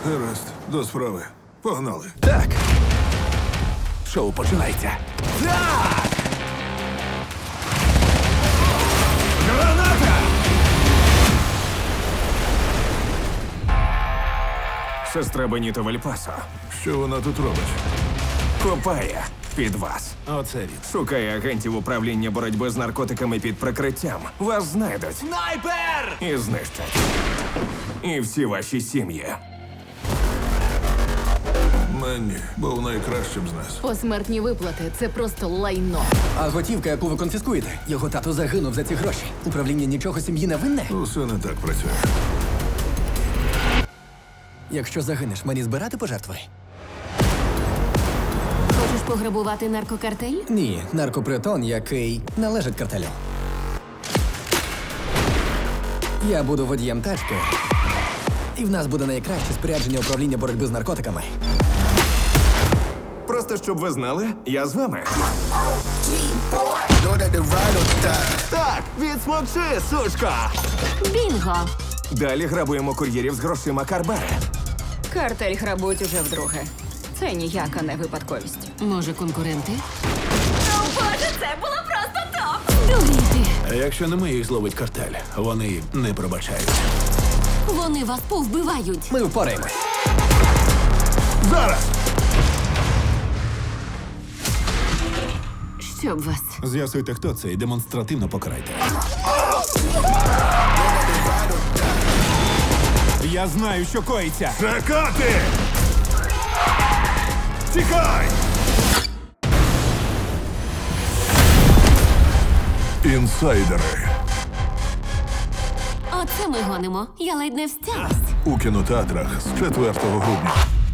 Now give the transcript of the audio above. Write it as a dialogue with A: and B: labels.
A: Гаразд, до справи. Погнали.
B: Так. Шоу починається. Так! Граната! Сестра Беніто Вальпасо
A: Що вона тут робить?
B: копає під вас.
A: Оце він.
B: Шукає агентів управління боротьби з наркотиками під прикриттям. Вас знайдуть. Снайпер! І знищать. І всі ваші сім'ї.
A: Менні був найкращим з нас.
C: Посмертні виплати це просто лайно.
D: А готівка, яку ви конфіскуєте, його тато загинув за ці гроші. Управління нічого сім'ї не винне?
A: Усе не так працює.
D: Якщо загинеш, мені збирати пожертви?
C: Хочеш пограбувати наркокартель?
D: Ні, наркопритон, який належить картелю. Я буду водієм тачки, і в нас буде найкраще спорядження управління боротьби з наркотиками.
B: Просто щоб ви знали, я з вами. Так, відсмокши, сучка!
C: Бінго!
B: Далі грабуємо кур'єрів з грошима Карбари.
E: Картель грабують уже вдруге. Це ніяка не випадковість.
C: Може, конкуренти?
E: Боже, це було просто топ!
C: Дуріти!
F: А якщо не ми їх зловить картель, вони не пробачають.
C: Вони вас повбивають!
D: Ми впораємось.
A: Зараз!
C: Щоб вас.
F: З'ясуйте, хто це, і демонстративно покарайте. Я знаю, що коїться.
A: Чекати! Тікай! Інсайдери.
C: Оце ми гонимо. Я ледь не встялась.
A: У кінотеатрах з 4 грудня.